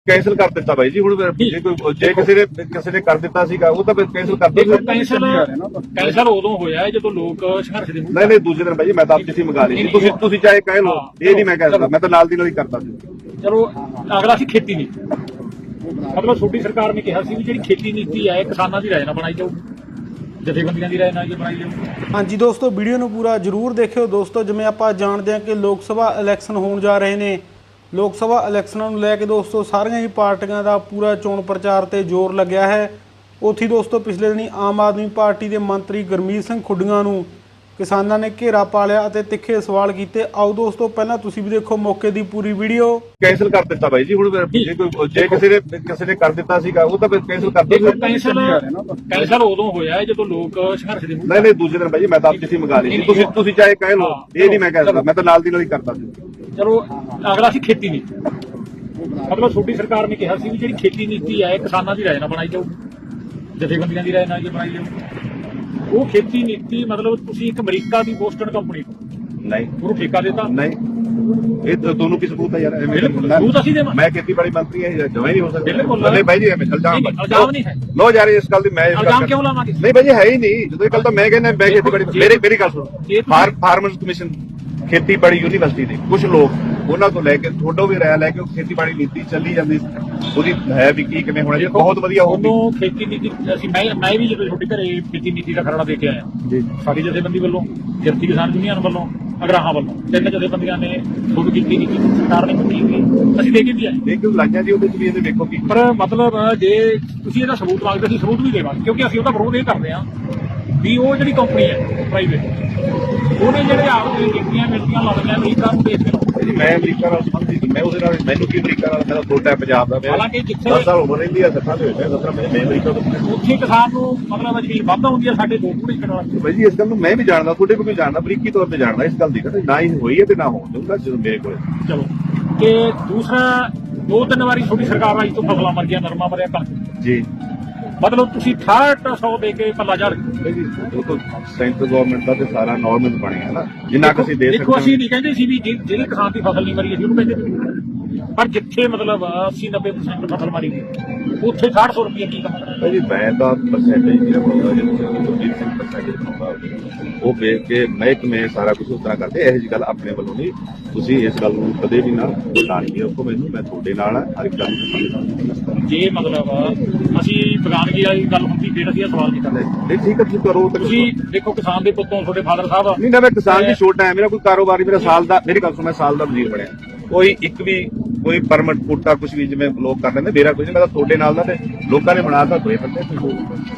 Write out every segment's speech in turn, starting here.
Cancel ਕਰ ਦਿੱਤਾ ਬਾਈ ਜੀ। ਹੁਣ ਜੇ ਕਿਸੇ ਨੇ ਕਰ ਦਿੱਤਾ ਸੀਗਾ ਉਹ ਤਾਂ ਕੈਂਸਲ ਕਰ ਦਿੱਤਾ। ਕੈਂਸਲ ਉਦੋਂ ਹੋਇਆ ਜਦੋਂ ਲੋਕ ਸੰਘਰਸ਼ ਦੇ ਨਹੀਂ ਦੂਜੇ ਦਿਨ ਬਾਈ ਜੀ ਮੈਂ ਤਾਂ ਆਪ ਚਿੱਠੀ ਮੰਗਾ ਲਈ ਸੀ। ਤੁਸੀਂ ਚਾਹੇ ਕਹਿ ਲਓ, ਇਹ ਨਹੀਂ ਮੈਂ ਕਹਿ ਸਕਦਾ, ਮੈਂ ਤਾਂ ਨਾਲ ਦੀ ਨਾਲ ਹੀ ਕਰਦਾ ਸੀ। ਚਲੋ ਅਗਲਾ ਸੀ ਖੇਤੀ ਨੀਤੀ, ਮਤਲਬ ਛੋਟੀ ਸਰਕਾਰ ਨੇ ਕਿਹਾ ਸੀ ਵੀ ਜਿਹੜੀ ਖੇਤੀ ਨੀਤੀ ਹੈ ਕਿਸਾਨਾਂ ਦੀ ਰਾਏ ਨਾਲ ਬਣਾਈ ਜਾਊ, ਜਥੇਬੰਦੀਆਂ ਦੀ ਰਾਏ ਨਾਲ ਬਣਾਈ ਜਾਊ। ਹਾਂਜੀ ਦੋਸਤੋ, ਵੀਡੀਓ ਨੂੰ ਪੂਰਾ ਜ਼ਰੂਰ ਦੇਖਿਓ ਦੋਸਤੋ। ਜਿਵੇਂ ਆਪਾਂ ਜਾਣਦੇ ਹਾਂ ਕਿ ਲੋਕ ਸਭਾ ਇਲੈਕਸ਼ਨ ਹੋਣ ਜਾ ਰਹੇ ਨੇ, ਲੋਕ ਸਭਾ ਇਲੈਕਸ਼ਨਾਂ ਨੂੰ ਲੈ ਕੇ ਦੋਸਤੋ ਸਾਰੀਆਂ ਹੀ ਪਾਰਟੀਆਂ ਦਾ ਪੂਰਾ ਚੋਣ ਪ੍ਰਚਾਰ ਤੇ ਜ਼ੋਰ ਲੱਗਿਆ ਹੈ। ਉੱਥੇ ਦੋਸਤੋ ਪਿਛਲੇ ਦਿਨੀ ਆਮ ਆਦਮੀ ਪਾਰਟੀ ਦੇ ਮੰਤਰੀ ਗੁਰਮੀਤ ਸਿੰਘ ਖੁੱਡੀਆਂ ਨੂੰ ਕਿਸਾਨਾਂ ਨੇ ਘੇਰਾ ਪਾ ਲਿਆ ਅਤੇ ਤਿੱਖੇ ਸਵਾਲ ਕੀਤੇ। ਆਓ ਦੋਸਤੋ ਪਹਿਲਾਂ ਤੁਸੀਂ ਵੀ ਦੇਖੋ ਮੌਕੇ ਦੀ ਪੂਰੀ ਵੀਡੀਓ। ਕੈਂਸਲ ਕਰ ਦਿੱਤਾ ਬਾਈ ਜੀ। ਹੁਣ ਜੇ ਕਿਸੇ ਨੇ ਕਰ ਦਿੱਤਾ ਸੀਗਾ ਉਹ ਤਾਂ ਕੈਂਸਲ ਕਰ ਦਿੱਤਾ। ਕੈਂਸਲ ਉਦੋਂ ਹੋਇਆ ਜਦੋਂ ਲੋਕ ਸੰਘਰਸ਼ ਦੇ ਨਹੀਂ ਦੂਜੇ ਦਿਨ ਬਾਈ ਜੀ ਮੈਂ ਤਾਂ ਆਪ ਚਿੱਠੀ ਮੰਗਾ ਲਈ ਸੀ। ਤੁਸੀਂ ਚਾਹੇ ਕਹਿ ਲਓ, ਇਹ ਨਹੀਂ ਮੈਂ ਕਹਿ ਸਕਦਾ, ਮੈਂ ਤਾਂ ਨਾਲ ਦੀ ਨਾਲ ਹੀ ਕਰਦਾ ਸੀ। ਚਲੋ ਅਗਲਾ ਸੀ ਖੇਤੀ ਨੀਤੀ, ਮਤਲਬ ਛੋਟੀ ਸਰਕਾਰ ਨੇ ਕਿਹਾ ਸੀ ਵੀ ਜਿਹੜੀ ਖੇਤੀ ਨੀਤੀ ਹੈ ਕਿਸਾਨਾਂ ਦੀ ਰਾਏ ਨਾਲ ਬਣਾਈ ਜਾਊ, ਜਥੇਬੰਦੀਆਂ ਦੀ ਰਾਏ ਨਾਲ ਬਣਾਈ ਜਾਊ। ਉਹ ਖੇਤੀ ਨੀਤੀ ਮਤਲਬ ਤੁਸੀਂ ਇੱਕ ਅਮਰੀਕਾ ਦੀ ਬੋਸਟਨ ਕੰਪਨੀ ਨਹੀਂ ਉਹਨੂੰ ਠੇਕਾ ਦਿੱਤਾ। ਨਹੀਂ ਇਹ ਤੁਹਾਨੂੰ ਕੀ ਸਬੂਤ ਹੈ ਯਾਰ? ਸਬੂਤ ਅਸੀਂ ਦੇਵਾਂ? ਮੈਂ ਖੇਤੀਬਾੜੀ ਮੰਤਰੀ ਹਾਂ, ਜਮਾਂ ਹੀ ਨਹੀਂ ਹੋ ਸਕਦਾ। ਨਹੀਂ ਬਾਈ ਜੀ ਇਲਜ਼ਾਮ ਨਹੀਂ ਹੈ। ਲੋ ਯਾਰ ਇਸ ਗੱਲ ਦੀ ਮੈਂ ਇਲਜ਼ਾਮ ਕਿਉਂ ਲਾਵਾਂਗੇ? ਨਹੀਂ ਬਾਈ ਜੀ ਹੈ ਹੀ ਨਹੀਂ। ਜਦੋਂ ਇਹ ਗੱਲ ਤਾਂ ਮੈਂ ਕਹਿੰਦਾ ਮੈਂ ਖੇਤੀਬਾੜੀ ਮੇਰੀ ਗੱਲ ਸੁਣੋ। ਫਾਰਮਰਸ ਕਮਿਸ਼ਨ ਖੇਤੀਬਾੜੀ ਯੂਨੀਵਰਸਿਟੀ ਦੇ ਕੁਝ ਲੋਕ ਉਹਨਾਂ ਤੋਂ ਲੈ ਕੇ ਥੋੜੋ ਵੀ ਰਾਇ ਲੈ ਕੇ ਉਹ ਖੇਤੀਬਾੜੀ ਨੀਤੀ ਚੱਲੀ ਜਾਂਦੀ ਉਹਦੀ ਹੈ ਵੀ ਕੀ ਕਿਵੇਂ ਹੋਣਾ ਜੀ, ਬਹੁਤ ਵਧੀਆ ਹੋਊਗੀ। ਉਦੋਂ ਖੇਤੀ ਨੀਤੀ ਅਸੀਂ ਮੈਂ ਵੀ ਜਦੋਂ ਛੋਟੇ ਘਰੇ ਖੇਤੀ ਨੀਤੀ ਦਾ ਖਰੜਾ ਦੇ ਕੇ ਆਇਆ ਜੀ। ਸਾਡੀ ਜਥੇਬੰਦੀ ਵੱਲੋਂ, ਕਿਰਤੀ ਕਿਸਾਨ ਯੂਨੀਅਨ ਵੱਲੋਂ, ਅਗਰਾਹਾਂ ਵੱਲੋਂ, ਤਿੰਨ ਜਥੇਬੰਦੀਆਂ ਨੇ ਸ਼ੁਰੂ ਕੀਤੀ ਨੀਤੀ ਸਰਕਾਰ ਨੇ ਮੰਗੀ ਹੋਈ, ਅਸੀਂ ਦੇ ਕੇ ਵੀ ਆਏ। ਇਹ ਕਿਉਂ ਲਾਈਆਂ ਜੀ ਉਹਦੇ ਚ ਵੀ ਇਹਦੇ ਵੇਖੋ ਕੀ। ਪਰ ਮਤਲਬ ਜੇ ਤੁਸੀਂ ਇਹਦਾ ਸਬੂਤ ਮੰਗਦੇ ਅਸੀਂ ਸਬੂਤ ਵੀ ਦੇਵਾਂਗੇ, ਕਿਉਂਕਿ ਅਸੀਂ ਉਹਦਾ ਵਿਰੋਧ ਇਹ ਕਰਦੇ ਹਾਂ ਵੀ ਉਹ ਜਿਹੜੀ ਕੰਪਨੀ ਹੈ ਪ੍ਰਾਈਵੇਟ ਉਹਨੇ ਜਿਹੜੇ ਆਪ ਦੀਆਂ ਕੀਤੀਆਂ ਮਿਲਦੀਆਂ ਲੱਗਦੀਆਂ ਅਮਰੀਕਾ ਨੂੰ ਦੇਖ ਕੇ। ਮੈਂ ਅਮਰੀਕਾ ਨਾਲ ਸੰਬੰਧਿਤ ਮੈਂ ਉਹਦੇ ਨਾਲ ਮੈਨੂੰ ਕੀ ਅਮਰੀਕਾ ਨਾਲ ਮੇਰਾ ਛੋਟਾ ਪੰਜਾਬ ਦਾ ਹਾਲਾਂਕਿ ਜਿੱਥੇ 10 ਸਾਲ ਉਮਰ ਰਹਿੰਦੀ ਆ 60 ਦੇ ਹੋਏ 17 ਮੈਂ ਅਮਰੀਕਾ ਤੋਂ ਉੱਥੇ ਕਿਸਾਨ ਨੂੰ ਮਤਲਬ ਜ਼ਮੀਨ ਵੱਧ ਹੁੰਦੀ ਹੈ ਸਾਡੇ ਦੋ ਪੂਰੀ ਕਨਾਲ। ਬਾਈ ਜੀ ਇਸ ਗੱਲ ਨੂੰ ਮੈਂ ਵੀ ਜਾਣਦਾ, ਤੁਹਾਡੇ ਕੋਲ ਵੀ ਜਾਣਦਾ, ਬਰੀਕੀ ਤੌਰ ਤੇ ਜਾਣਦਾ ਇਸ ਗੱਲ ਦੀ ਕਦੇ ਨਾ ਹੀ ਹੋਈ ਹੈ ਤੇ ਨਾ ਹੋਣ ਦਊਗਾ ਜਦੋਂ ਮੇਰੇ ਕੋਲ। ਚਲੋ ਕਿ ਦੂਸਰਾ 2-3 ਵਾਰੀ ਛੋਟੀ ਸਰਕਾਰ ਆਈ ਤੋਂ ਫਸਲਾਂ ਮਰ ਗਿਆ, ਨਰਮਾ ਮਰਿਆ, ਕਣਕ ਜੀ। ਮਤਲਬ ਤੁਸੀਂ 6800 ਦੇ ਕੇ ਪੱਲਾ ਝੜ ਜੀ ਉਹ ਤਾਂ ਸੈਂਟਰ ਗਵਰਨਮੈਂਟ ਦਾ ਤੇ ਸਾਰਾ ਨਾਰਮਲ ਬਣਿਆ ਨਾ ਜਿੰਨਾ ਕੁ ਅਸੀਂ ਦੇ ਸਕਦੇ। ਦੇਖੋ ਅਸੀਂ ਨਹੀਂ ਕਹਿੰਦੇ ਸੀ ਵੀ ਜਿਹੜੇ ਕਿਸਾਨ ਦੀ ਫਸਲ ਨਹੀਂ ਮਰੀ ਅਸੀਂ ਉਹਨੂੰ ਕਹਿੰਦੇ, ਪਰ ਜਿੱਥੇ ਮਤਲਬ 80-90% ਫਸਲ ਮਰੀ ਗਈ ਉੱਥੇ 6800 ਰੁਪਏ ਕੀ ਕਮਾਉਂਦਾ ਜੀ। ਮੈਂ ਤਾਂ ਪਰਸੈਂਟੇਜ ਜਿਹੜਾ ਬਣਾਉਂਦਾ ਜੀ ਪਰਸੈਂਟੇਜ ਬਣਾਉਂਦਾ ਉਹ ਵੇਖ ਕੇ ਮਹਿਕਮੇ ਸਾਰਾ ਕੁਝ ਉਸ ਤਰ੍ਹਾਂ ਕਰਦੇ। ਇਹੋ ਜਿਹੀ ਗੱਲ ਆਪਣੇ ਵੱਲੋਂ ਨਹੀਂ, ਤੁਸੀਂ ਇਸ ਗੱਲ ਨੂੰ ਕਦੇ ਵੀ ਨਾ ਲਾਣੀ ਰੱਖੋ ਮੈਨੂੰ, ਮੈਂ ਤੁਹਾਡੇ ਨਾਲ ਹਰ ਇੱਕ ਗੱਲ ਨੂੰ। ਜੇ ਮਤਲਬ ਅਸੀਂ ਬਗਾਨਗੀ ਵਾਲੀ ਗੱਲ ਹੁੰਦੀ ਫਿਰ ਅਸੀਂ ਸਵਾਲ ਨਹੀਂ ਕਰਦੇ। ਨਹੀਂ ਠੀਕ ਹੈ ਤੁਸੀਂ ਕਰੋ। ਤੁਸੀਂ ਦੇਖੋ ਕਿਸਾਨ ਦੇ ਪੁੱਤੋਂ ਤੁਹਾਡੇ ਫਾਦਰ ਸਾਹਿਬ ਨਹੀਂ ਨਾ ਮੈਂ ਕਿਸਾਨ ਦੀ ਛੋਟਾ ਹੈ, ਮੇਰਾ ਕੋਈ ਕਾਰੋਬਾਰ ਮੇਰਾ ਸਾਲ ਦਾ, ਮੇਰੀ ਗੱਲ ਸੁਣ ਮੈਂ ਸਾਲ ਦਾ ਵਜ਼ੀਰ ਬਣਿਆ, ਕੋਈ ਇੱਕ ਵੀ ਕੋਈ ਪਰਮਿਟ ਕੋਟਾ ਕੁਝ ਵੀ ਜਿਵੇਂ ਲੋਕ ਕਰ ਲੈਂਦੇ, ਮੇਰਾ ਕੁਝ ਨਹੀਂ, ਮੈਂ ਤਾਂ ਤੁਹਾਡੇ ਨਾਲ ਦਾ ਤੇ ਲੋਕਾਂ ਨੇ ਬਣਾਤਾ ਦੋਏ ਬੰਦੇ।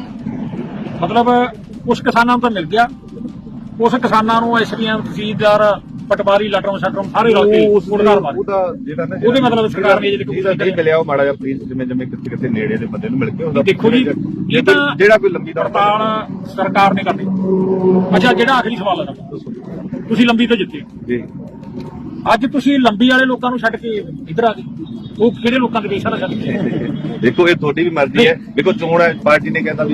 ਮਤਲਬ ਉਸ ਕਿਸਾਨਾਂ ਨੂੰ ਤਾਂ ਮਿਲ ਗਿਆ, ਉਸ ਕਿਸਾਨਾਂ ਨੂੰ ਐਸਡੀਐਮ ਤਹਿਸੀਲਦਾਰ ਪਟਵਾਰੀ ਲਟਰਮ ਸ਼ਟਰਮ ਸਾਰੇ ਰਲ ਕੇ ਉਹਦਾ ਜਿਹੜਾ ਨਾ ਉਹਦੇ ਮਤਲਬ ਸਰਕਾਰ ਨੇ ਜਿਹੜਾ ਨਹੀਂ ਮਿਲਿਆ ਉਹ ਮਾੜਾ ਜਿਹਾ ਪਲੀਜ਼ ਜਿਵੇਂ ਕਿਤੇ ਨੇੜੇ ਦੇ ਬੰਦੇ ਨੂੰ ਮਿਲ ਕੇ ਉਹਦਾ ਦੇਖੋ ਜੀ ਇਹ ਤਾਂ ਜਿਹੜਾ ਕੋਈ ਲੰਬੀ ਦੌੜ ਹੜਤਾਲ ਸਰਕਾਰ ਨੇ ਕਰਨੀ। ਅੱਛਾ ਜਿਹੜਾ ਆਖਰੀ ਸਵਾਲ ਹੈ ਤੁਸੀਂ ਲੰਬੀ ਤੋਂ ਜਿੱਤੇ ਜੀ, ਅੱਜ ਤੁਸੀਂ ਲੰਬੀ ਵਾਲੇ ਲੋਕਾਂ ਨੂੰ ਛੱਡ ਕੇ ਇੱਧਰ ਆ ਗਏ, ਉਹ ਕਿਹੜੇ ਲੋਕਾਂ ਦੇ ਦੇਸ਼ ਵਾਲਾ ਛੱਡ ਕੇ? ਦੇਖੋ ਇਹ ਤੁਹਾਡੀ ਵੀ ਮਰਜ਼ੀ ਹੈ। ਦੇਖੋ ਚੋਣ ਹੈ, ਪਾਰਟੀ ਨੇ ਕਹਿੰਦਾ ਵੀ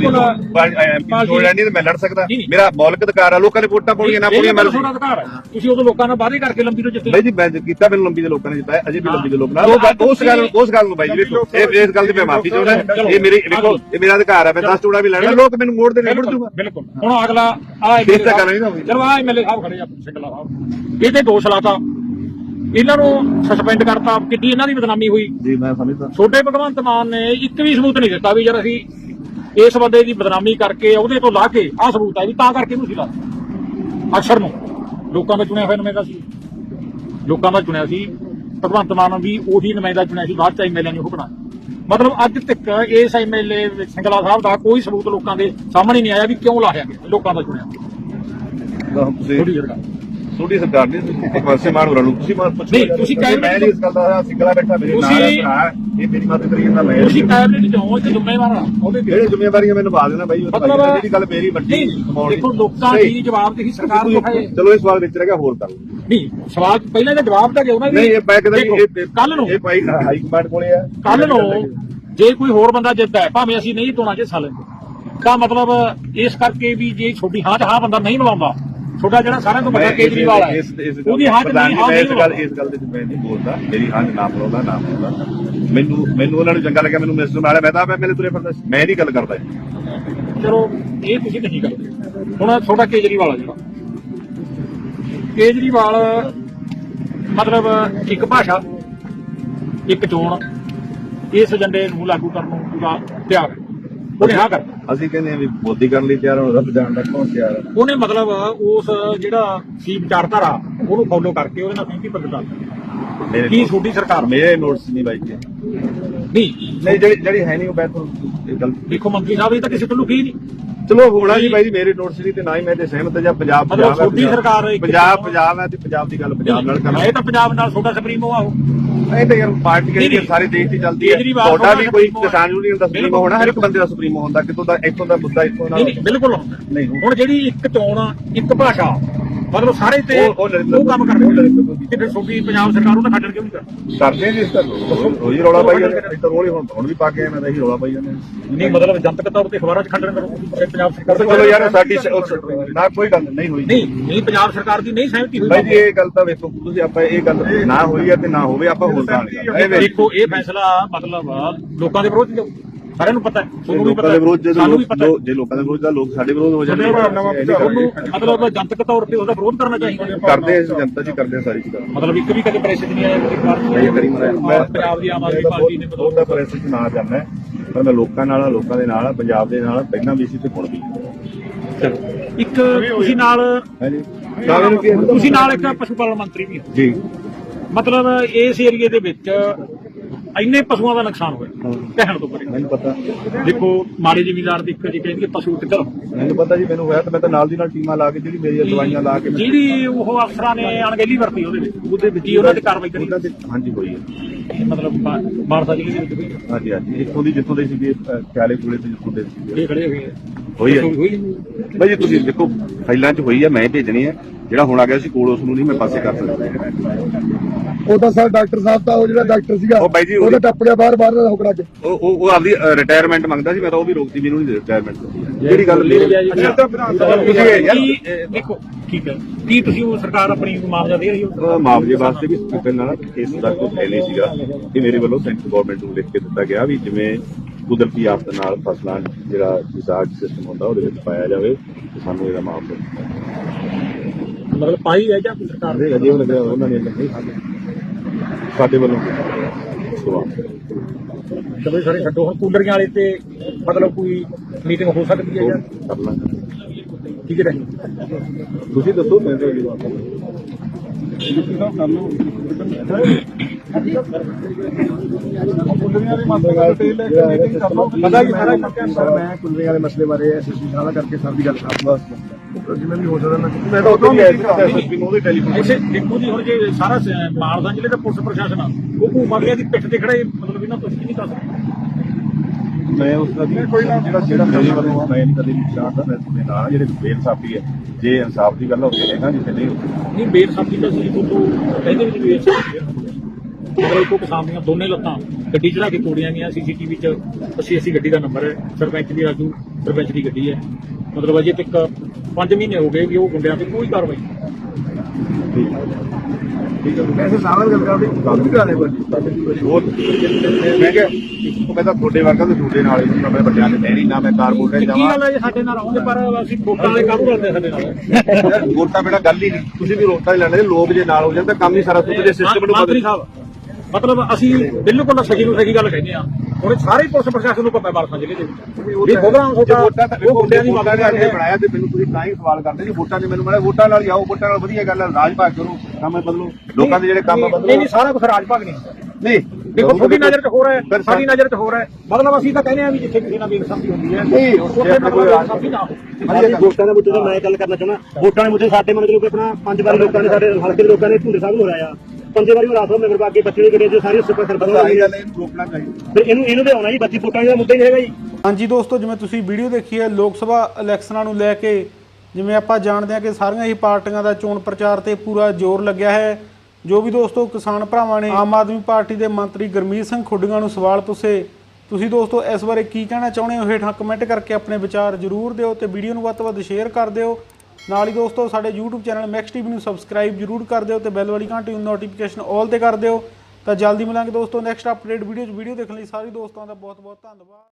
ਚੋਣ ਲੜਨੀ ਤੇ ਮੈਂ ਲੜ ਸਕਦਾ, ਮੇਰਾ ਮੌਲਿਕ ਅਧਿਕਾਰ ਹੈ। ਲੋਕਾਂ ਨੇ ਵੋਟਾਂ ਪਾਉਣੀਆਂ ਨਾ ਪਾਉਣੀਆਂ ਮੇਰਾ ਅਧਿਕਾਰ ਹੈ। ਤੁਸੀਂ ਉਦੋਂ ਲੋਕਾਂ ਨਾਲ ਵਾਅਦੇ ਕਰਕੇ ਲੰਬੀ ਤੋਂ ਜਿੱਤੇ। ਬਾਈ ਜੀ ਮੈਂ ਕੀਤਾ, ਮੈਨੂੰ ਲੰਬੀ ਦੇ ਲੋਕਾਂ ਨੇ ਜਿੱਤਾਇਆ, ਅਜੇ ਵੀ ਲੰਬੀ ਦੇ ਲੋਕ ਨਾਲ ਉਸ ਗੱਲ ਨੂੰ ਬਾਈ ਜੀ ਵੇਖੋ ਇਸ ਗੱਲ ਦੀ ਮੈਂ ਮਾਫੀ ਚਾਹੁੰਦਾ। ਇਹ ਮੇਰੀ ਵੇਖੋ ਇਹ ਮੇਰਾ ਅਧਿਕਾਰ ਹੈ, ਮੈਂ 10 ਚੋਣਾਂ ਵੀ ਲੜਨਾ, ਲੋਕ ਮੈਨੂੰ ਮੋੜ ਦੇਣੇ ਮੁੜ ਜੂਗਾ। ਬਿਲਕੁਲ। ਹੁਣ ਅਗਲਾ ਚਲੋ ਆ ਐਮਐਲਏ ਸਾਹਿਬ ਖੜੇ ਆ ਸਿੰਗਲਾ ਸਾਹਿਬ, ਇਹਦੇ ਦੋਸ਼ ਲਾਤਾ, ਇਹਨਾਂ ਨੂੰ ਸਸਪੈਂਡ ਕਰਤਾ, ਕਿੱਡੀ ਇਹਨਾਂ ਦੀ ਬਦਨਾਮੀ ਹੋਈ ਜੀ। ਮੈਂ ਸਮਝਦਾ ਛੋਟੇ ਭਗਵੰਤ ਮਾਨ ਨੇ ਇੱਕ ਵੀ ਸਬੂਤ ਨਹੀਂ ਦਿੱਤਾ ਵੀ ਯਾਰ ਅਸੀਂ ਇਸ ਬੰਦੇ ਦੀ ਬਦਨਾਮੀ ਕਰਕੇ ਉਹਦੇ ਤੋਂ ਲਾ ਕੇ ਆਹ ਸਬੂਤ ਹੈ ਵੀ ਤਾਂ ਕਰਕੇ ਇਹਨੂੰ ਸੀ ਲਾ ਅਕਸਰ ਨੂੰ ਲੋਕਾਂ ਦਾ ਚੁਣਿਆ ਹੋਇਆ ਨੁਮਾਇੰਦਾ ਸੀ, ਲੋਕਾਂ ਦਾ ਚੁਣਿਆ ਸੀ ਭਗਵੰਤ ਮਾਨ ਵੀ ਉਹੀ ਨੁਮਾਇੰਦਾ ਚੁਣਿਆ ਸੀ, ਬਾਅਦ ਚ ਐਮਐਲਏ ਨੇ ਉਹ ਬਣਾਇਆ। ਮਤਲਬ ਅੱਜ ਤੱਕ ਇਸ ਐਮਐਲਏ ਸਿੰਗਲਾ ਸਾਹਿਬ ਦਾ ਕੋਈ ਸਬੂਤ ਲੋਕਾਂ ਦੇ ਸਾਹਮਣੇ ਨਹੀਂ ਆਇਆ ਵੀ ਕਿਉਂ ਲਾਇਆ ਗਿਆ, ਲੋਕਾਂ ਦਾ ਚੁਣਿਆ। ਛੋਟੀ ਸਰਕਾਰ ਨੇ ਭਗਵੰਤ ਮਾਨ ਹੋਰਾਂ ਨੂੰ ਤੁਸੀਂ ਪੁੱਛੋ। ਨਹੀਂ ਤੁਸੀਂ ਮੈਂ ਨਹੀਂ ਇਸ ਗੱਲ ਦਾ ਸਿੰਗਲਾ ਬੈਠਾ ਮੇਰੇ ਨਾਲ ਭਰਾ, ਇਹ ਮੇਰੀ ਮਦਦ ਕਰੀ ਜਾਂਦਾ। ਮੈਂ ਤੁਸੀਂ ਕੈਬਨਿਟ ਚ ਹੋ ਤੇ ਜ਼ਿੰਮੇਵਾਰ ਆ, ਉਹਦੇ ਜਿਹੜੇ ਜ਼ਿੰਮੇਵਾਰੀਆਂ ਮੈਨੂੰ ਨਿਭਾ ਦੇਣਾ ਬਾਈ, ਜਿਹੜੀ ਗੱਲ ਮੇਰੀ ਵੱਡੀ ਦੇਖੋ ਲੋਕਾਂ ਦੀ ਜਵਾਬਦੇਹੀ ਸਰਕਾਰ ਤੋਂ ਹੈ। ਚਲੋ ਇਹ ਸਵਾਲ ਵਿੱਚ ਰਹਿ ਗਿਆ, ਹੋਰ ਕਰ ਲਓ। ਨਹੀਂ ਸਵਾਲ ਪਹਿਲਾਂ ਇਹਦਾ ਜਵਾਬ ਤਾਂ ਦਿਓ ਨਾ। ਨਹੀਂ ਇਹ ਮੈਂ ਕਹਿੰਦਾ ਕੱਲ ਨੂੰ ਇਹ ਭਾਈ ਹਾਈ ਕਮਾਂਡ ਕੋਲੇ ਆ, ਕੱਲ ਨੂੰ ਜੇ ਕੋਈ ਹੋਰ ਬੰਦਾ ਜਿੱਤਦਾ ਹੈ ਭਾਵੇਂ ਅਸੀਂ ਨਹੀਂ ਤੋਣਾ ਚ ਹਿੱਸਾ ਲੈਂਦੇ, ਤਾਂ ਮਤਲਬ ਇਸ ਕਰਕੇ ਵੀ ਜੇ ਛੋਟੀ ਹਾਂ ਚ ਹਾਂ ਬੰਦਾ ਨਹੀਂ ਮਿਲਾਉਂਦਾ ਤੁਹਾਡਾ ਜਿਹੜਾ ਸਾਰਿਆਂ ਤੋਂ ਵੱਡਾ ਕੇਜਰੀਵਾਲ ਹੈ ਉਹਦੀ ਹਾਂ 'ਚ ਨਹੀਂ ਹਾਂ ਇਸ ਗੱਲ ਦੇ ਮੈਂ ਨਹੀਂ ਬੋਲਦਾ, ਮੇਰੀ ਹਾਂ ਨਾ ਬੋਲਦਾ ਨਾ ਬੋਲਦਾ। ਮੈਨੂੰ ਉਹਨਾਂ ਨੂੰ ਚੰਗਾ ਲੱਗਿਆ, ਮੈਨੂੰ ਮਿਸਟਰ ਨਾਲ ਮੈਂ ਤਾਂ ਮੇਰੇ ਤੁਰੇ ਫਿਰਦਾ, ਮੈਂ ਨਹੀਂ ਗੱਲ ਕਰਦਾ। ਚਲੋ ਇਹ ਤੁਸੀਂ ਨਹੀਂ ਕਰਦੇ। ਹੁਣ ਤੁਹਾਡਾ ਕੇਜਰੀਵਾਲ ਆ ਜਿਹੜਾ ਕੇਜਰੀਵਾਲ ਮਤਲਬ ਇੱਕ ਭਾਸ਼ਾ ਇੱਕ ਚੋਣ ਇਸ ਏਜੰਡੇ ਨੂੰ ਲਾਗੂ ਕਰਨ ਨੂੰ ਪੂਰਾ ਤਿਆਰ ਹੈ। ਉਹਨੇ ਹਾਂ ਕਰ ਅਸੀਂ ਕਹਿੰਦੇ ਆ ਵੀ ਮੋਦੀ ਕਰਨ ਲਈ ਤਿਆਰ, ਹੁਣ ਰੱਬ ਜਾਣ ਦਾ ਕੌਣ ਤਿਆਰ ਹੈ। ਉਹਨੇ ਮਤਲਬ ਉਸ ਜਿਹੜਾ ਸੀ ਵਿਚਾਰਧਾਰਾ ਉਹਨੂੰ ਫੋਲੋ ਕਰਕੇ ਉਹਦੇ ਨਾਲ ਸਹਿਮਤੀ ਪ੍ਰਗਟਾ ਕੀ ਛੋਟੀ ਸਰਕਾਰ ਮੇਰੇ ਨੋਟਸ ਨਹੀਂ ਬਾਈ ਜੀ ਨਹੀਂ ਜਿਹੜੀ ਹੈ ਨਹੀਂ ਉਹ ਬੈਠੋ ਦੇਖੋ ਮੰਤਰੀ ਸਾਹਿਬ ਇਹ ਤਾਂ ਕਿਸੇ ਤੋਂ ਲੁਕੀ ਨਹੀਂ। ਚਲੋ ਹੋਣਾ ਜੀ ਬਾਈ ਜੀ, ਮੇਰੇ ਨੋਟਸ ਨਹੀਂ ਤੇ ਨਾ ਹੀ ਮੈਂ ਤੇ ਸਹਿਮਤ ਜਾਂ ਪੰਜਾਬ ਮਤਲਬ ਛੋਟੀ ਸਰਕਾਰ ਪੰਜਾਬ ਹੈ ਤੇ ਪੰਜਾਬ ਦੀ ਗੱਲ ਪੰਜਾਬ ਨਾਲ ਕਰਨਾ। ਇਹ ਤਾਂ ਪੰਜਾਬ ਨਾਲ ਛੋਟਾ ਸੁਪਰੀਮੋ ਆ ਇਹ ਤਾਂ ਯਾਰ ਪਾਰਟੀ ਜਿਹੜੀ ਸਾਰੇ ਦੇਸ਼ ਦੀ ਚੱਲਦੀ ਹੈ। ਤੁਹਾਡਾ ਵੀ ਕੋਈ ਕਿਸਾਨ ਯੂਨੀਅਨ ਦਾ ਸੁਪਰੀਮੋ ਹੋਣਾ, ਹਰ ਇੱਕ ਬੰਦੇ ਦਾ ਸੁਪਰੀਮੋ ਹੁੰਦਾ, ਕਿਤੋਂ ਦਾ ਇੱਥੋਂ ਦਾ ਮੁੱਦਾ ਇੱਥੋਂ ਦਾ ਨਹੀਂ ਬਿਲਕੁਲ ਹੁੰਦਾ। ਨਹੀਂ ਹੁਣ ਜਿਹੜੀ ਇੱਕ ਚੋਣ ਇੱਕ ਭਾਸ਼ਾ ਮਤਲਬ ਸਾਰੇ ਤੇ ਉਹ ਕੰਮ ਕਰਦੇ ਤੇ ਫਿਰ ਛੋਟੀ ਪੰਜਾਬ ਸਰਕਾਰ ਉਹਦਾ ਖੱਡਣ ਕਿਉਂ ਨਹੀਂ ਕਰਦੇ ਜੀ। ਇਸ ਤਰ੍ਹਾਂ ਰੋਜ਼ ਰੌਲਾ ਪਾਈ ਜਾਂਦੇ, ਇੱਧਰ ਰੋਲੇ ਹੁਣ ਵੀ ਪਾ ਕੇ ਮੈਂ ਤਾਂ ਇਹੀ ਰੌਲਾ ਪਾਈ ਜਾਂਦੇ। ਨਹੀਂ ਮਤਲਬ ਜਨਤਕ ਤੌਰ ਤੇ ਅਖਬਾਰਾਂ 'ਚ ਖੱਡਣ ਕਰੋ ਪੰਜਾਬ ਸਰਕਾਰ। ਚਲੋ ਯਾਰ ਸਾਡੀ ਨਾ ਕੋਈ ਗੱਲ ਨਹੀਂ ਹੋਈ। ਨਹੀਂ ਪੰਜਾਬ ਸਰਕਾਰ ਦੀ ਨਹੀਂ ਸਹਿਮਤੀ ਹੋਈ ਬਾਈ ਜੀ, ਇਹ ਗੱਲ ਤਾਂ ਵੇਖੋ ਤੁਸੀਂ, ਆਪਾਂ ਇਹ ਗੱਲ ਨਾ ਹੋਈ ਹੈ ਤੇ ਨਾ ਹੋਵੇ, ਆਪਾਂ ਹੋਰ ਗੱਲ ਦੇਖੋ ਇਹ ਫੈਸਲਾ ਮਤਲਬ ਲੋਕਾਂ ਦੇ ਵਿਰੋਧ ਜਾਊ, ਸਾਰਿਆਂ ਨੂੰ ਪਤਾ ਹੈ, ਤੁਹਾਨੂੰ ਵੀ ਲੋਕਾਂ ਦੇ ਵਿਰੋਧ ਸਾਨੂੰ ਵੀ ਪਤਾ। ਜੇ ਲੋਕਾਂ ਦੇ ਵਿਰੋਧ ਦਾ ਲੋਕ ਸਾਡੇ ਵਿਰੋਧ ਹੋ ਜਾਂਦੇ ਉਹਨੂੰ ਮਤਲਬ ਜਨਤਕ ਤੌਰ ਤੇ ਉਹਦਾ ਵਿਰੋਧ ਕਰਨਾ ਚਾਹੀਦਾ। ਕਰਦੇ ਜਨਤਾ ਜੀ ਕਰਦੇ ਸਾਰੀ ਚੀਜ਼ਾਂ ਮਤਲਬ ਇੱਕ ਵੀ ਕਦੇ ਪ੍ਰੈਸ ਨਹੀਂ ਆਇਆ ਪੰਜਾਬ ਦੀ ਆਮ ਆਦਮੀ ਪਾਰਟੀ ਨੇ ਉਹਦਾ ਪ੍ਰੈਸ ਚ ਨਾ ਜਾਣਾ, ਪਰ ਮੈਂ ਲੋਕਾਂ ਨਾਲ ਲੋਕਾਂ ਦੇ ਨਾਲ ਪੰਜਾਬ ਦੇ ਨਾਲ ਪਹਿਲਾਂ ਵੀ ਸੀ ਤੇ ਹੁਣ ਵੀ। ਇੱਕ ਤੁਸੀਂ ਨਾਲ ਤੁਸੀਂ ਨਾਲ ਇੱਕ ਪਸ਼ੂ ਪਾਲਣ ਮੰਤਰੀ ਵੀ ਜੀ, ਮਤਲਬ ਇਸ ਏਰੀਏ ਦੇ ਵਿੱਚ ਇੰਨੇ ਪਸ਼ੂਆਂ ਦਾ ਨੁਕਸਾਨ ਹੋਇਆ ਕਹਿਣ ਤੋਂ ਪਰੇ। ਮੈਨੂੰ ਪਤਾ, ਦੇਖੋ ਮਾੜੇ ਜ਼ਿਮੀਂਦਾਰ ਦੀ ਇੱਕ ਜੀ ਕਹਿੰਦੇ ਪਸ਼ੂ ਕਿੱਧਰ, ਮੈਨੂੰ ਪਤਾ ਜੀ, ਮੈਨੂੰ ਹੋਇਆ ਤੇ ਮੈਂ ਤਾਂ ਨਾਲ ਦੀ ਨਾਲ ਟੀਮਾਂ ਲਾ ਕੇ ਜਿਹੜੀ ਮੇਰੀਆਂ ਦਵਾਈਆਂ ਲਾ ਕੇ ਜਿਹੜੀ ਉਹ ਅਫਸਰਾਂ ਨੇ ਅਣਗਹਿਲੀ ਵਰਤੀ ਉਹਦੇ ਵਿੱਚ ਕੀ ਉਹਨਾਂ ਤੇ ਕਾਰਵਾਈ ਕਰੀ। ਹਾਂਜੀ ਹੋਈ ਹੈ, ਮਤਲਬ ਮਾਨਸਾ ਜ਼ਿਲ੍ਹੇ ਦੇ ਵਿੱਚ ਹਾਂਜੀ ਹਾਂਜੀ ਇੱਥੋਂ ਦੀ ਜਿੱਥੋਂ ਦੇ ਸੀਗੇ ਖਿਆਲੇ ਕੋਲੇ ਤੇ ਜਿੱਥੋਂ ਦੇ ਸੀਗੇ ਇਹ ਖੜੇ ਹੋਏ ਹੋਈ ਹੈ ਬਾਈ ਜੀ। ਤੁਸੀਂ ਦੇਖੋ ਫਾਈਲਾਂ 'ਚ ਹੋਈ ਹੈ, ਮੈਂ ਭੇਜਣੀ ਹੈ। ਜਿਹੜਾ ਹੁਣ ਆ ਗਿਆ ਸੀ ਕੋਲ ਉਸ ਨੂੰ ਨਹੀਂ ਮੈਂ ਪਾਸੇ ਕਰ ਸਕਦਾ। ਉਹ ਤਾਂ ਸਰ ਡਾਕਟਰ ਸਾਹਿਬ ਤਾਂ ਉਹ ਜਿਹੜਾ ਡਾਕਟਰ ਸੀਗਾ ਉਹ ਬਾਈ ਜੀ ਉਹਦਾ ਟੱਪ ਗਿਆ ਬਾਹਰ ਦਾ ਹੁਕੜਾ ਚ। ਉਹ ਆਪਦੀ ਰਿਟਾਇਰਮੈਂਟ ਮੰਗਦਾ ਸੀ, ਮੈਂ ਤਾਂ ਉਹ ਵੀ ਰੋਕਦੀ, ਮੈਨੂੰ ਨਹੀਂ ਰਿਟਾਇਰਮੈਂਟ ਜਿਹੜੀ ਗੱਲ ਦੇਖੋ ਠੀਕ ਹੈ। ਕੀ ਤੁਸੀਂ ਉਹ ਸਰਕਾਰ ਆਪਣੀ ਮੁਆਵਜ਼ਾ ਦੇ ਰਹੀ ਹੋ? ਮੁਆਵਜ਼ੇ ਵਾਸਤੇ ਵੀ ਪਹਿਲਾਂ ਕੇਸ ਦਾ ਕੋਈ ਹੈ ਨਹੀਂ ਸੀਗਾ ਕਿ ਮੇਰੇ ਵੱਲੋਂ ਸੈਂਟਰ ਗਵਰਨਮੈਂਟ ਨੂੰ ਲਿਖ ਕੇ ਦਿੱਤਾ ਗਿਆ ਵੀ ਜਿਵੇਂ ਕੁਦਰਤੀ ਆਫਤ ਨਾਲ ਫਸਲਾਂ ਜਿਹੜਾ ਰਿਸਾਰਚ ਸਿਸਟਮ ਹੁੰਦਾ ਉਹਦੇ ਵਿੱਚ ਪਾਇਆ ਜਾਵੇ ਤੇ ਸਾਨੂੰ ਇਹਦਾ ਮੁਆਵਜ਼ਾ ਮਤਲਬ ਪਾਈ ਹੈ ਜਾਂ ਸਰਕਾਰ ਦੇ ਅਜੇ ਲੱਗਿਆ ਉਹਨਾਂ ਨੇ ਨਹੀਂ ਸਾਡੇ ਵੱਲੋਂ ਚਲੋ ਸਾਰੇ ਛੱਡੋ। ਹੁਣ ਕੂਲਰੀਆਂ ਵਾਲੇ ਤੇ ਮਤਲਬ ਕੋਈ ਮੀਟਿੰਗ ਹੋ ਸਕਦੀ ਹੈ ਜਾਂ ਕਰ ਲਾਂਗੇ। ਠੀਕ ਹੈ ਤੁਸੀਂ ਦੱਸੋ ਮੈਂ ਤਾਂ ਕੁਲਰੀਆਂ ਦੀ ਮਾਤਰਾ ਡਿਟੇਲ ਲੈ ਕੇ ਮੀਟਿੰਗ ਕਰ ਲਓ। ਪਤਾ ਕੀ ਸਾਰਾ ਮੈਂ ਕੁਲਰੀਆਂ ਵਾਲੇ ਮਸਲੇ ਬਾਰੇ ਐਸਐਸਪੀ ਸਾਹਿਬ ਕਰਕੇ ਸਭ ਦੀ ਗੱਲ ਕਰਾਂਗਾ, ਜਿਵੇਂ ਵੀ ਹੋ ਸਕਦਾ ਮੈਂ ਤਾਂ ਉਦੋਂ ਐਸਐਸਪੀ ਨੂੰ ਉਹਦੇ ਟੈਲੀਫੋਨ ਇਸੇ ਦੇਖੋ ਜੀ। ਹੁਣ ਜੇ ਸਾਰਾ ਮਾਨਸਾ ਜ਼ਿਲ੍ਹੇ ਦਾ ਪੁਲਿਸ ਪ੍ਰਸ਼ਾਸਨ ਆ ਉਹ ਭੂਮਾਗਲਿਆਂ ਦੀ ਪਿੱਠ ਤੇ ਖੜੇ, ਮਤਲਬ ਇਹਨਾਂ ਤੁਸੀਂ ਕੀ ਨਹੀਂ ਕਰ ਸਕਦੇ। ਮੈਂ ਉਸ ਦਾ ਕੋਈ ਨਾ ਜਿਹੜਾ ਮੇਰੇ ਵੱਲੋਂ ਆ, ਮੈਂ ਨਹੀਂ ਕਦੇ ਵੀ ਚਾਹਦਾ ਮੈਂ ਤੁਹਾਡੇ ਨਾਲ ਜਿਹੜੇ ਬੇਇਨਸਾਫੀ ਹੈ, ਜੇ ਇਨਸਾਫ ਦੀ ਗੱਲ ਹੋਵੇ ਹੈਗਾ ਜਿੱਥੇ ਨਹੀਂ ਬੇਇਨਸਾਫੀ ਤਾਂ ਸੀ ਤੋਂ ਕਹਿੰਦੇ ਵੀ ਬੇਇਨਸਾਫੀ ਮਤਲਬ ਇੱਕੋ ਕਿਸਾਨ ਦੀਆਂ ਦੋਨੇ ਲੱਤਾਂ ਗੱਡੀ ਚੜਾ ਕੇ ਤੋੜੀਆਂ ਗਈਆਂ। ਸੀਸੀਟੀਵੀ 'ਚ 80 ਗੱਡੀ ਦਾ ਨੰਬਰ ਹੈ, ਸਰਪੰਚ ਦੀ ਰਾਜੂ ਸਰਪੰਚ ਦੀ ਗੱਡੀ ਹੈ। ਮਤਲਬ ਅਜੇ ਤੱਕ 5 ਮਹੀਨੇ ਹੋ ਗਏ ਕਿ ਉਹ ਗੁੰਡਿਆਂ ਤੇ ਕੋਈ ਕਾਰਵਾਈ ਐਸੇ ਸਾਹਮਣੇ ਗੱਲ ਕਰਦੇ ਕੰਮ ਵੀ ਕਰਾਣੇ ਕੋਈ ਮੈਂ ਕਿਹਾ ਮੈਂ ਤਾਂ ਤੁਹਾਡੇ ਵਰਗਾ ਤੇ ਤੁਹਾਡੇ ਨਾਲ ਹੀ ਮੈਂ ਵੱਡਿਆਂ ਦੇ ਨਹੀਂ ਨਾ ਮੈਂ ਕਾਰਪੋਰੇਟ ਕੀ ਜਾਵਾਂ। ਗੱਲ ਹੈ ਸਾਡੇ ਨਾਲ ਆਉਂਦੇ ਪਰ ਅਸੀਂ ਵੋਟਾਂ ਵਾਲੇ ਕੰਮ ਕਰਦੇ ਸਾਡੇ ਨਾਲ। ਵੋਟਾਂ ਬੇਟਾ ਗੱਲ ਹੀ ਨਹੀਂ, ਤੁਸੀਂ ਵੀ ਵੋਟਾਂ ਹੀ ਲੈਣੇ, ਲੋਕ ਜੇ ਨਾਲ ਹੋ ਜਾਣ ਤਾਂ ਕੰਮ ਹੀ ਸਾਰਾ ਸੁੱਧ ਦੇ ਸਿਸਟਮ ਨੂੰ ਮੰਤਰੀ ਸਾਹਿਬ ਮਤਲਬ ਅਸੀਂ ਬਿਲਕੁਲ ਸਹੀ ਨੂੰ ਸਹੀ ਗੱਲ ਕਹਿੰਦੇ ਆ। ਹੁਣ ਸਾਰੇ ਪੁਲਿਸ ਪ੍ਰਸ਼ਾਸਨ ਨੂੰ ਪਤਾ ਮਾਨਸਾ ਜ਼ਿਲ੍ਹੇ ਦੇ ਵਿੱਚ ਵੀ ਪ੍ਰੋਗਰਾਮ ਵੋਟਾਂ ਤਾਂ ਗੁੰਡਿਆਂ ਦੀ ਵੋਟਾਂ ਨੇ ਬਣਾਇਆ ਤੇ ਮੈਨੂੰ ਤੁਸੀਂ ਤਾਂ ਹੀ ਸਵਾਲ ਕਰਦੇ ਜੀ ਵੋਟਾਂ ਨੇ ਮੈਨੂੰ ਬਣਾਇਆ। ਵੋਟਾਂ ਨਾਲ ਹੀ ਆਓ, ਵੋਟਾਂ ਨਾਲ ਵਧੀਆ ਗੱਲ ਹੈ, ਰਾਜ ਭਾਗ ਕਰੋ, ਕੰਮ ਬਦਲੋ, ਲੋਕਾਂ ਦੇ ਜਿਹੜੇ ਕੰਮ ਬਦਲੋ। ਨਹੀਂ ਸਾਰਾ ਕੁਝ ਰਾਜ ਭਾਗ ਨਹੀਂ ਨਹੀਂ ਦੇਖੋ ਤੁਹਾਡੀ ਨਜ਼ਰ 'ਚ ਹੋ ਰਿਹਾ ਹੈ, ਸਾਡੀ ਨਜ਼ਰ 'ਚ ਹੋ ਰਿਹਾ ਹੈ। ਮਤਲਬ ਅਸੀਂ ਤਾਂ ਕਹਿੰਦੇ ਆ ਵੀ ਜਿੱਥੇ ਕਿਸੇ ਨਾਲ ਬੇਇਨਸਾਫੀ ਹੁੰਦੀ ਹੈ ਉੱਥੇ ਮਤਲਬ ਬੇਇਨਸਾਫੀ ਨਾ ਹੋਵੇ। ਵੋਟਾਂ ਦੇ ਮੁੱਦੇ ਤੇ ਮੈਂ ਗੱਲ ਕਰਨਾ ਚਾਹੁੰਦਾ। ਵੋਟਾਂ ਦੇ ਮੁੱਦੇ ਸਾਡੇ ਮਤਲਬ ਆਪਣਾ 5 ਵਾਰੀ ਲੋਕਾਂ ਨੇ ਸਾਡੇ ਹਲਕੇ ਦੇ ਲੋਕਾਂ ਨੇ ਝੁੰਡੇ ਸਾਹਿਬ ਨੂੰ ਹਰਾਇਆ, 5 ਵਾਰੀ ਉਹ ਰਾਤੋਂ ਮੇਰੇ ਬਾਕੀ ਬੱਚੇ ਦੇ ਜਿਹੜੇ ਸਾਰੇ ਸੁਪਰ ਸਰਪੰਚ ਆਹੀ ਗੱਲ ਇਹਨੂੰ ਰੋਕਣਾ ਚਾਹੀਦਾ। ਫਿਰ ਇਹਨੂੰ ਤੇ ਆਉਣਾ ਜੀ। 25 ਵੋਟਾਂ ਦਾ ਮੁੱਦਾ ਹੀ ਹੈਗਾ ਜੀ। ਹਾਂਜੀ ਦੋਸਤੋ, ਜਿਵੇਂ ਤੁਸੀਂ ਵੀਡੀਓ ਦੇਖੀ ਹੈ, ਲੋਕ ਸਭਾ ਇਲੈਕਸ਼ਨਾਂ ਨੂੰ ਲੈ ਕੇ ਜਿਵੇਂ ਆਪਾਂ ਜਾਣਦੇ ਹਾਂ ਕਿ ਸਾਰੀਆਂ ਹੀ ਪਾਰਟੀਆਂ ਦਾ ਚੋਣ ਪ੍ਰਚਾਰ ਤੇ ਪੂਰਾ ਜ਼ੋਰ ਲੱਗਿਆ ਹੈ। ਜੋ ਵੀ ਦੋਸਤੋ ਕਿਸਾਨ ਭਰਾਵਾਂ ਨੇ ਆਮ ਆਦਮੀ ਪਾਰਟੀ ਦੇ ਮੰਤਰੀ ਗੁਰਮੀਤ ਸਿੰਘ ਖੁੱਡੀਆਂ ਨੂੰ ਸਵਾਲ ਪੁੱਛੇ, ਤੁਸੀਂ ਦੋਸਤੋ ਇਸ ਬਾਰੇ ਕੀ ਕਹਿਣਾ ਚਾਹੁੰਦੇ ਹੋ ਹੇਠਾਂ ਕਮੈਂਟ ਕਰਕੇ ਆਪਣੇ ਵਿਚਾਰ ਜ਼ਰੂਰ ਦਿਓ ਤੇ ਵੀਡੀਓ ਨੂੰ ਵੱਧ ਤੋਂ ਵੱਧ ਸ਼ੇਅਰ ਕਰ ਦਿਓ ਨਾਲ ਹੀ ਦੋਸਤੋ ਸਾਡੇ YouTube ਚੈਨਲ ਮੈਕਸ ਟੀਵੀ ਨੂੰ ਸਬਸਕ੍ਰਾਈਬ ਜ਼ਰੂਰ ਕਰ ਦਿਓ ਤੇ ਬੈਲ ਵਾਲੀ ਘੰਟੀ ਨੂੰ ਨੋਟੀਫਿਕੇਸ਼ਨ ਆਲ ਤੇ ਕਰ ਦਿਓ। ਤਾਂ ਜਲਦੀ ਮਿਲਾਂਗੇ ਦੋਸਤੋ ਨੈਕਸਟ ਅਪਡੇਟ ਵੀਡੀਓ 'ਚ। ਵੀਡੀਓ ਦੇਖਣ ਲਈ ਸਾਰੇ ਦੋਸਤਾਂ ਦਾ ਬਹੁਤ ਬਹੁਤ ਧੰਨਵਾਦ।